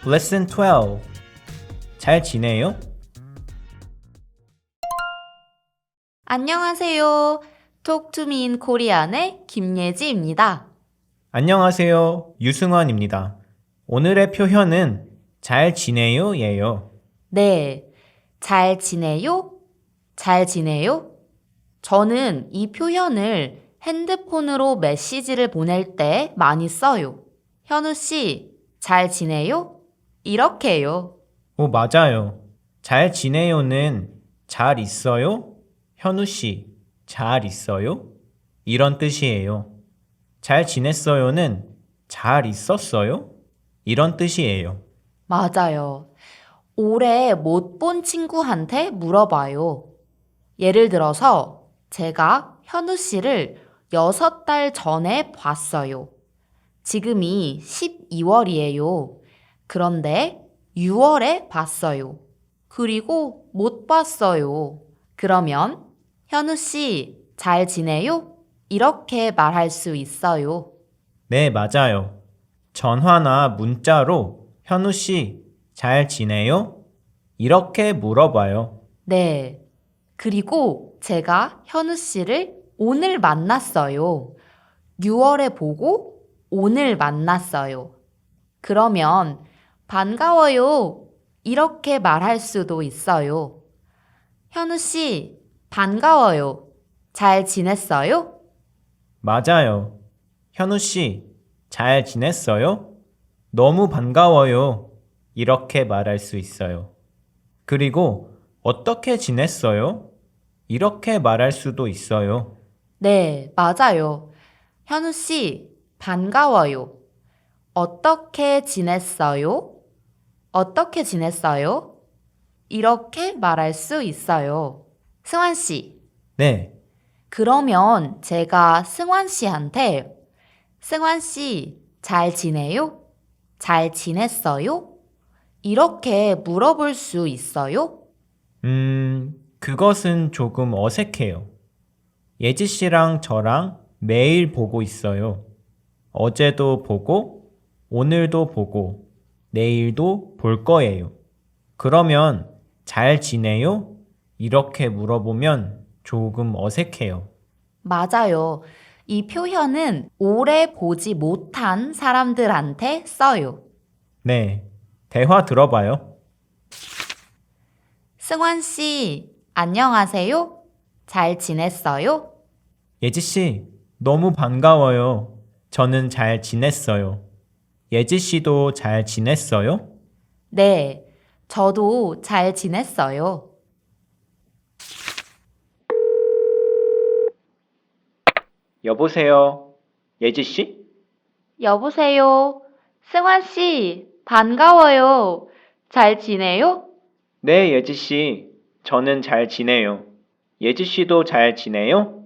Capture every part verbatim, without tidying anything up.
Lesson twelve. 잘 지내요? 안녕하세요. Talk to me in Korean의 김예지입니다. 안녕하세요. 유승환입니다. 오늘의 표현은 잘 지내요? 예요. 네, 잘 지내요? 잘 지내요? 저는 이 표현을 핸드폰으로 메시지를 보낼 때 많이 써요. 현우 씨, 잘 지내요? 이렇게요. 오, 맞아요. 잘 지내요는 잘 있어요? 현우 씨, 잘 있어요? 이런 뜻이에요. 잘 지냈어요는 잘 있었어요? 이런 뜻이에요. 맞아요. 오래 못 본 친구한테 물어봐요. 예를 들어서 제가 현우 씨를 여섯 달 전에 봤어요. 지금이 십이월이에요. 그런데 유월에 봤어요. 그리고 못 봤어요. 그러면 현우 씨 잘 지내요? 이렇게 말할 수 있어요. 네, 맞아요. 전화나 문자로 현우 씨, 잘 지내요? 이렇게 물어봐요. 네. 그리고 제가 현우 씨를 오늘 만났어요. 유월에 보고 오늘 만났어요. 그러면 반가워요. 이렇게 말할 수도 있어요. 현우 씨, 반가워요. 잘 지냈어요? 맞아요. 현우 씨, 잘 지냈어요? 너무 반가워요. 이렇게 말할 수 있어요. 그리고 어떻게 지냈어요? 이렇게 말할 수도 있어요. 네, 맞아요. 현우 씨, 반가워요. 어떻게 지냈어요? 어떻게 지냈어요? 이렇게 말할 수 있어요. 승환 씨, 네, 그러면 제가 승환 씨한테 승환 씨, 잘 지내요? 잘 지냈어요? 이렇게 물어볼 수 있어요? 음, 그것은 조금 어색해요. 예지 씨랑 저랑 매일 보고 있어요. 어제도 보고, 오늘도 보고, 내일도 볼 거예요. 그러면 잘 지내요? 이렇게 물어보면 조금 어색해요. 맞아요. 이 표현은 오래 보지 못한 사람들한테 써요. 네, 대화 들어봐요. 승환 씨, 안녕하세요? 잘 지냈어요? 예지 씨, 너무 반가워요. 저는 잘 지냈어요. 예지 씨도 잘 지냈어요? 네, 저도 잘 지냈어요. 여보세요. 예지 씨? 여보세요? 승환 씨, 반가워요. 잘 지내요? 네, 예지 씨. 저는 잘 지내요. 예지 씨도 잘 지내요?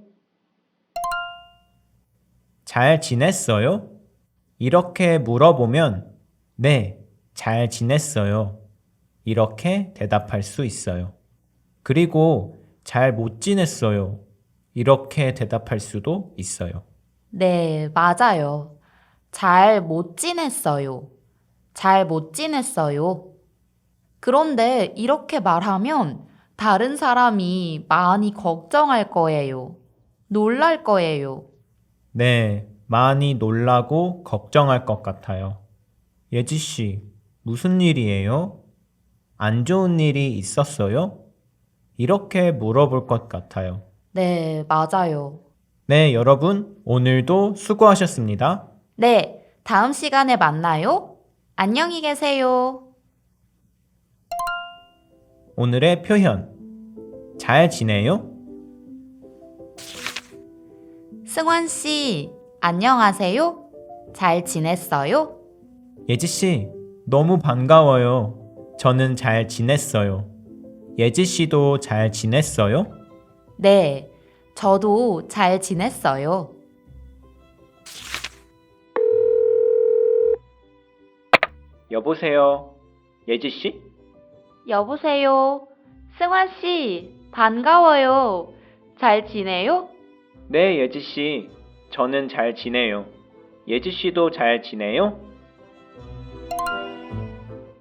잘 지냈어요? 이렇게 물어보면 네, 잘 지냈어요. 이렇게 대답할 수 있어요. 그리고 잘 못 지냈어요. 이렇게 대답할 수도 있어요. 네, 맞아요. 잘 못 지냈어요. 잘 못 지냈어요. 그런데 이렇게 말하면 다른 사람이 많이 걱정할 거예요. 놀랄 거예요. 네, 많이 놀라고 걱정할 것 같아요. 예지 씨, 무슨 일이에요? 안 좋은 일이 있었어요? 이렇게 물어볼 것 같아요. 네, 맞아요. 네, 여러분, 오늘도 수고하셨습니다. 네, 다음 시간에 만나요. 안녕히 계세요. 오늘의 표현. 잘 지내요? 승환 씨, 안녕하세요? 잘 지냈어요? 예지 씨, 너무 반가워요. 저는 잘 지냈어요. 예지 씨도 잘 지냈어요? 네, 저도 잘 지냈어요. 여보세요. 예지 씨? 여보세요? 승환 씨, 반가워요. 잘 지내요? 네, 예지 씨. 저는 잘 지내요. 예지 씨도 잘 지내요?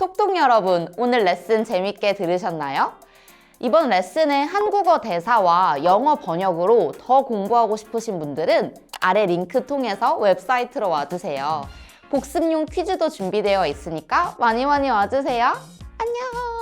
톡톡 여러분, 오늘 레슨 재밌게 들으셨나요? 이번 레슨의 한국어 대사와 영어 번역으로 더 공부하고 싶으신 분들은 아래 링크 통해서 웹사이트로 와주세요. 복습용 퀴즈도 준비되어 있으니까 많이 많이 와주세요. 안녕!